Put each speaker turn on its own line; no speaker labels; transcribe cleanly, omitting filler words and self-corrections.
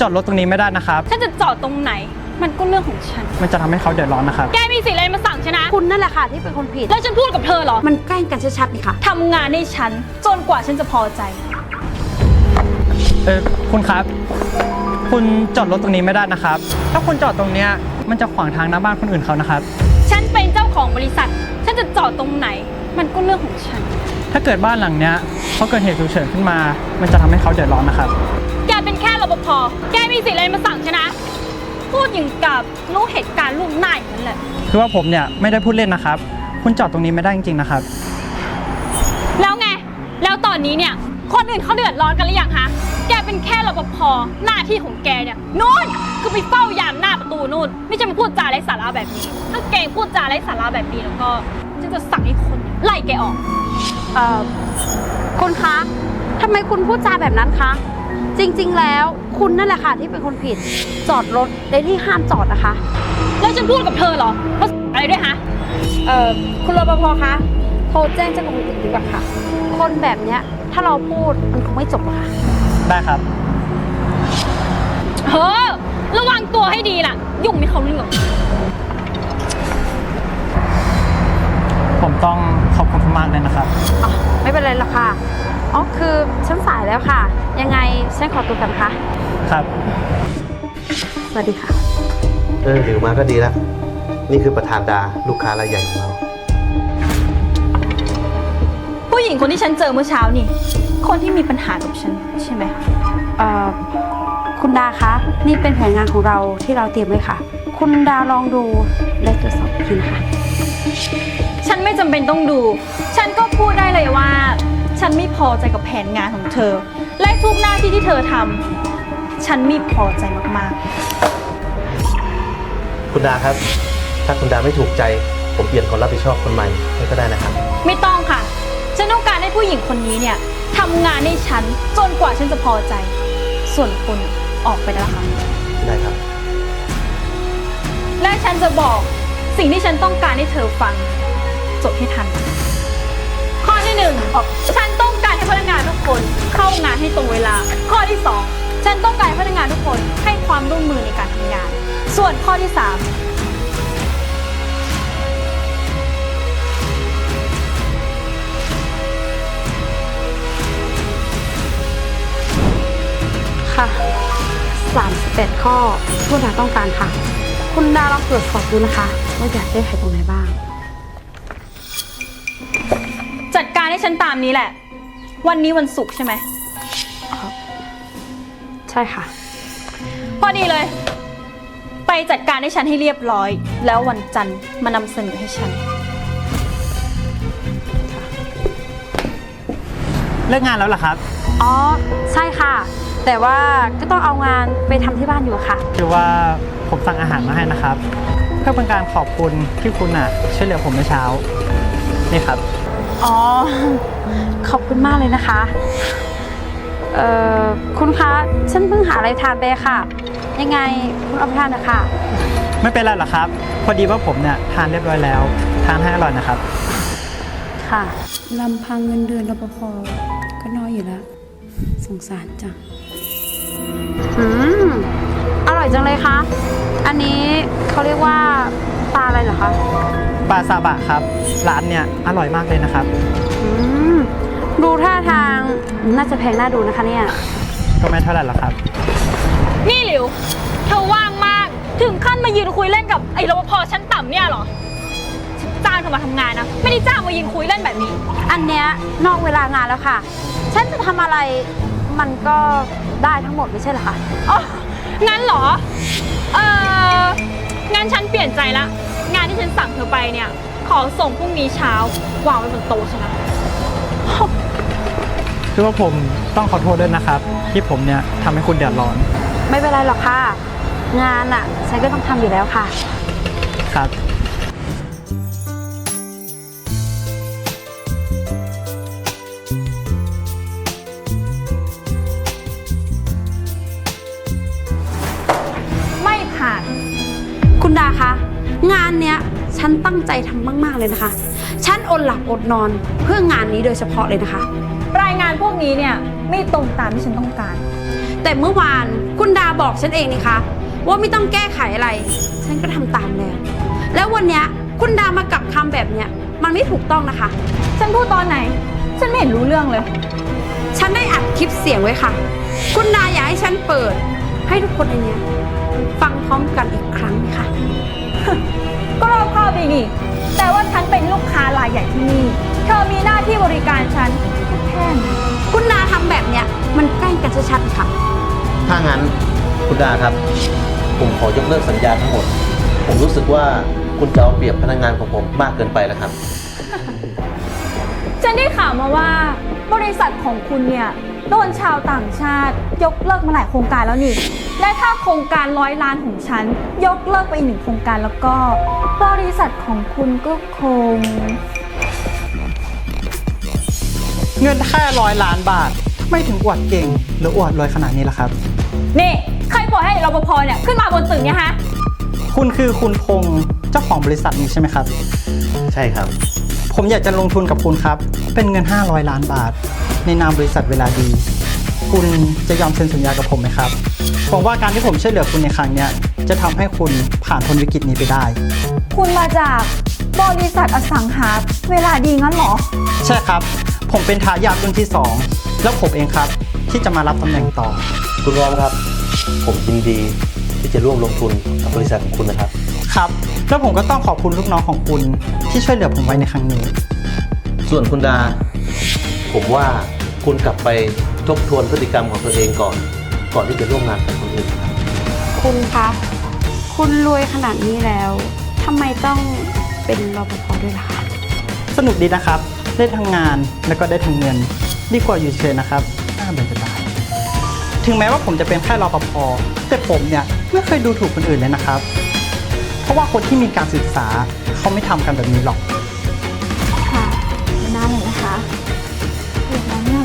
จอดรถตรงนี้ไม่ได้นะครับ
ฉันจะจอดตรงไหนมันก็เรื่องของฉัน
มันจะทำให้เขาเดือดร้อนนะครับ
แกมีสิทธิ์อะไรมาสั่งฉันนะ
คุณนั่นแหละค่ะที่เป็นคนผิด
แล้วฉันพูดกับเธอเหรอ
มันแกล้งกันชัดๆนี่ค่ะ
ทำงานให้ฉันจนกว่าฉันจะพอใจ
คุณครับคุณจอดรถตรงนี้ไม่ได้นะครับถ้าคุณจอดตรงเนี้ยมันจะขวางทางหน้าบ้านคนอื่นเขานะครับ
ฉันเป็นเจ้าของบริษัทฉันจะจอดตรงไหนมันก็เรื่องของฉัน
ถ้าเกิดบ้านหลังเนี้ยเขาเกิดเหตุฉุกเฉินขึ้นมามันจะทำให้เขาเดือดร้อนนะครับ
แกเป็นแค่รปภแกมีสิทธิ์อะไรมาสั่งฉันนะพูดอย่างกับรู้เหตุการณ์ล่วงหน้าอย่างนั้นแหละ
คือว่าผมเนี่ยไม่ได้พูดเล่นนะครับคุณจอดตรงนี้ไม่ได้จริงๆนะครับ
แล้วไงแล้วตอนนี้เนี่ยคนอื่นเขาเดือดร้อนกันหรือยังฮะแกเป็นแค่รปภหน้าที่ของแกเนี่ยนู่นคือไปเฝ้ายามหน้าประตูนู่นไม่ใช่มาพูดจาไร้สาระแบบนี้ถ้าแกพูดจาไร้สาระแบบนี้แล้วก็ฉันจะสั่งให้คนไล่แกออก
คุณคะทำไมคุณพูดจาแบบนั้นคะจริงๆแล้วคุณนั่นแหละค่ะที่เป็นคนผิดจอดรถในที่ห้ามจอดนะคะ
แล้วฉันพูดกับเธอเหรอว่าอะไรด้วยฮะ
คุณรปภคะโทรแจ้งเจ้าหน้าที่ดีกว่าค่ะคนแบบเนี้ยถ้าเราพูดมันคงไม่จบหรอกค่ะ
ได้ครับ
ระวังตัวให้ดีล่ะยุ่งไม่เข้าเรื่อง
ผมต้องขอบคุณมากเลยนะครับ
ไม่เป็นไรหรอกค่ะคือฉันสายแล้วค่ะยังไงฉันขอตัวกันค่ะ
ครับ
สวัสดีค่ะ
หลิวมาก็ดีแล้วนี่คือประธานดาลูกค้ารายใหญ่ของเรา
ผู้หญิงคนที่ฉันเจอเมื่อเช้านี่คนที่มีปัญหากับฉันใช่ไหม
คุณดาคะนี่เป็นแผนงานของเราที่เราเตรียมไว้ค่ะคุณดาลองดูและตรวจสอบอีกทีนะคะ
ฉันไม่จำเป็นต้องดูฉันก็พูดได้เลยว่าฉันไม่พอใจกับแผนงานของเธอและทุกหน้าที่ที่เธอทำฉันไม่พอใจมาก
ๆคุณดาครับถ้าคุณดาไม่ถูกใจผมเปลี่ยนคนรับผิดชอบคนใหม่ให้ก็ได้นะครับ
ไม่ต้องค่ะฉันต้องการให้ผู้หญิงคนนี้เนี่ยทำงานให้ฉันจนกว่าฉันจะพอใจส่วนคุณออกไปได้แล้วค่ะ
ได้ครับ
และฉันจะบอกสิ่งที่ฉันต้องการให้เธอฟังจดให้ทันข้อที่1ฉันต้องการให้พนักงานทุกคนเข้างานให้ตรงเวลาข้อที่2ฉันต้องการให้พนักงานทุกคนให้ความร่วมมือในการทำงานส่วนข้อที่3
ค่ะ38ข้อคุณดาต้องการค่ะคุณดาลองตรวจสอบดูนะคะว่าอยากได้ใครตรงไหนบ้าง
จัดการให้ฉันตามนี้แหละวันนี้วันศุกร์ใช่ไหม
ใช่ค่ะ
พอดีเลยไปจัดการให้ฉันให้เรียบร้อยแล้ววันจันทร์มานำเสนอให้ฉัน
เลิกงานแล้วเหรอครับ
ใช่ค่ะแต่ว่าก็ต้องเอางานไปทำที่บ้านอยู่ค่ะ
คือว่าผมสั่งอาหารมาให้นะครับเพื่อเป็นการขอบคุณที่คุณช่วยเหลือผมเมื่อเช้านี่ครับ
ขอบคุณมากเลยนะคะคุณคะฉันเพิ่งหาอะไรทานไปค่ะยังไงคุณเอาไปทานนะคะ
ไม่เป็นไรหรอกครับพอดีว่าผมเนี่ยทานเรียบร้อยแล้วทานให้อร่อยนะครับ
ค่ะลำพังเงินเดือนรปภก็น้อยอยู่แล้วสงสารจังอร่อยจังเลยคะอันนี้เขาเรียกว่าปลาอะไรเหรอคะ
ปลาซาบะครับร้านเนี่ยอร่อยมากเลยนะครับ
ดูท่าทางน่าจะแพงน่าดูนะคะเนี่ย
ก็ไม่เท่าไหร่หรอกครับ
นี่หลิวเธอว่างมากถึงขั้นมายืนคุยเล่นกับไอ้รปภชั้นต่ำเนี่ยเหรอจ้างเธอมาทำงานนะไม่ได้จ้างมายืนคุยเล่นแบบนี้
อันเนี้ยนอกเวลางานแล้วค่ะฉันจะทำอะไรมันก็ได้ทั้งหมดไม่ใช่เหรอคะ
งั้นเหรองั้นฉันเปลี่ยนใจละงานที่ฉันสั่งเธอไปเนี่ยขอส่งพรุ่งนี้เช้าวางไว้บนโต๊ะฉันนะ
คือว่าผมต้องขอโทษด้วยนะครับที่ผมเนี่ยทำให้คุณเดือดร้อน
ไม่เป็นไรหรอกค่ะงานฉันก็ต้องทำอยู่แล้วค่ะ
ครับ
ไม่ผ่าน
คุณดาคะงานเนี้ยฉันตั้งใจทำมากๆเลยนะคะฉันอดหลับอดนอนเพื่องานนี้โดยเฉพาะเลยนะคะ
รายงานพวกนี้เนี่ยไม่ตรงตามที่ฉันต้องการ
แต่เมื่อวานคุณดาบอกฉันเองนี่คะว่าไม่ต้องแก้ไขอะไร ฉันก็ทำตามแล้ว แล้ววันเนี้ยคุณดามากลับคำแบบเนี้ยมันไม่ถูกต้องนะคะ
ฉันพูดตอนไหน ฉันไม่เห็นรู้เรื่องเลย
ฉันได้อัดคลิปเสียงไว้ค่ะ คุณดาอยากให้ฉันเปิด ให้ทุกคนในเนี้ยฟังพร้อมกันอีกครั้งค่ะ
ก็รอบคอบดีนี่ แต่ว่าฉันเป็นลูกค้ารายใหญ่ที่นี่ เธอมีหน้าที่บริการฉันแค่นั้น
คุณดาทำแบบเนี้ยมันแกล้งกันชัดๆค่ะ
ถ้างั้นคุณดาครับ ผมขอยกเลิกสัญญาทั้งหมด ผมรู้สึกว่าคุณจะเอาเปรียบพนักงานของผมมากเกินไปแล้วครับ
ฉันได้ข่าวมาว่าบริษัทของคุณเนี่ยโดนชาวต่างชาติ ยกเลิกมาหลายโครงการแล้วนี่ และถ้าโครงการ100 ล้านของฉัน ยกเลิกไปอีก1 โครงการแล้วก็ บริษัทของคุณก็คง
เงินแค่100 ล้านบาททำไมถึงอวดเก่งหรืออวดรวยขนาดนี้ล่ะครับ
นี่ใครปล่อยให้รปภเนี่ยขึ้นมาบนตึกเนี่ยฮะ
คุณคือคุณพงษ์เจ้าของบริษัทนี้ใช่ไหมครับ
ใช่ครับ
ผมอยากจะลงทุนกับคุณครับ เป็นเงิน500 ล้านบาท ในนามบริษัทเวลาดี คุณจะยอมเซ็นสัญญากับผมไหมครับผมว่าการที่ผมช่วยเหลือคุณในครั้งเนี้ยจะทำให้คุณผ่านพ้นวิกฤตนี้ไปได้
คุณมาจากบริษัทอสังหาเวลาดีงั้นเหรอ
ใช่ครับ ผมเป็นทายาทรุ่นที่ 2 แล้วผมเองครับที่จะมารับตำแหน่งต่อ
คุณรอมครับ ผมยินดีที่จะร่วมลงทุนกับบริษัทของคุณนะครับ
ครับ แล้วผมก็ต้องขอบคุณลูกน้องของคุณที่ช่วยเหลือผมไว้ในครั้งนี้
ส่วนคุณดา ผมว่าคุณกลับไปทบทวนพฤติกรรมของตัวเองก่อนที่จะร่วมงานกับคนอื่นครับ
คุณคะ คุณรวยขนาดนี้แล้วทำไมต้องเป็นรปภด้วยล่ะคะ
สนุกดีนะครับ ได้ทั้งงานแล้วก็ได้ทั้งเงิน ดีกว่าอยู่เฉยๆนะครับน่าเบื่อจะตายถึงแม้ว่าผมจะเป็นแค่รปภแต่ผมเนี่ยไม่เคยดูถูกคนอื่นเลยนะครับ เพราะว่าคนที่มีการศึกษาเขาไม่ทำกันแบบนี้หรอก
ค่ะไม่น่าเลยนะคะเรียนแล้วเนี่ย